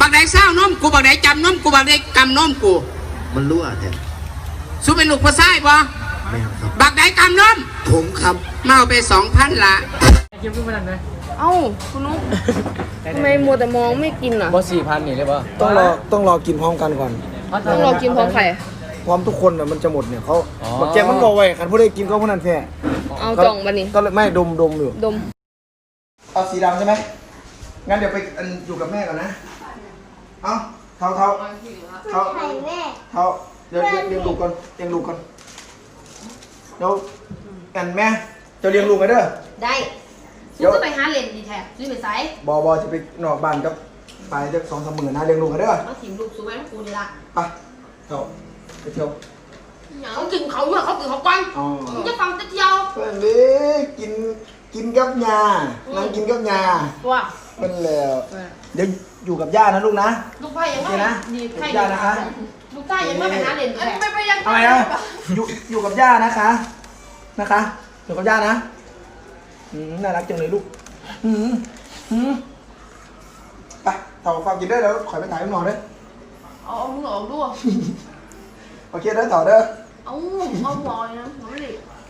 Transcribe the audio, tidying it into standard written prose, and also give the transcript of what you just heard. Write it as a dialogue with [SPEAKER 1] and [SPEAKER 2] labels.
[SPEAKER 1] บักไหนเศร้านมกูบักไหนจำนมกูบักไหนกำนมกู
[SPEAKER 2] มันรั่วแท้
[SPEAKER 1] สู้เป็นลูกพ่อไส้ปะ
[SPEAKER 2] ไม่ครับ
[SPEAKER 1] บักไหนกำนม
[SPEAKER 2] ผมครับ
[SPEAKER 1] เมาไป2,000ละ
[SPEAKER 3] เก็บขึ้นมาหน่อยนะ
[SPEAKER 4] เอ้าคุณนุ๊กทำไมมัวแต่มองไม่กินอ่ะ
[SPEAKER 3] บ่4,000นี่เลยป่ะ
[SPEAKER 5] ต้องรอกินพร้อมกันก่อน
[SPEAKER 4] ต้องรอกินพร้อมไข่
[SPEAKER 5] พร้อมทุกคนอ่ะมันจะหมดเนี่ยเขาบอกแกมันบอกไว้คันผู้ใดกินก็ผู้นั้นแพ้
[SPEAKER 4] เอาจ่องบันนี้
[SPEAKER 5] ก็เลยไม่ดมอยู่
[SPEAKER 4] ดม
[SPEAKER 5] เอาสีดำใช่ไหมงั้นเดี๋ยวไปอยู่กับแม่ก่อนนะเอาเท้าเดี๋ยวเลี้ยงลูกก่อนเดี๋ยวแม่จะเลี้ยงลูกกันเด้อ
[SPEAKER 6] ได้ซื้อไปหาเลนดีแท้ซื้อไปใส่
[SPEAKER 5] บอจะไปนอกบ้านกับไปจะ2-3 หมื่นนะเลี้ยงลูกกันเด้อ
[SPEAKER 6] ต้องถิ่มลูกซื้อไว้ให้กูนี่ละ
[SPEAKER 5] ไปไปเที่ยว
[SPEAKER 6] เขากินเขาอยู่เขากินเขาก้อนมึงจะฟังจะเที่ยว
[SPEAKER 5] เพื่อนดิกินกับยานั่งกินกับยา
[SPEAKER 6] ว้า
[SPEAKER 5] เป็นแล้วเดี๋ยวอยู่กับย่านะลูกนะ
[SPEAKER 6] ลูกไผ่ยังไม่
[SPEAKER 5] ดีย่านะคะ
[SPEAKER 6] ลูกไผ่ยังไม่ไปหาเลนไม่ยัง
[SPEAKER 5] อะไรนะอยู่กับย่านะคะอยู่กับย่านะน่ารักจังเลยลูกไปต่อความกินได้แล้วขอไปถ่ายข้างนอกด้วย
[SPEAKER 6] เอามึงออกด้วย
[SPEAKER 5] โอเคเด้อต่อเด้อ
[SPEAKER 6] เอาหมอยนะหมอไม่ได้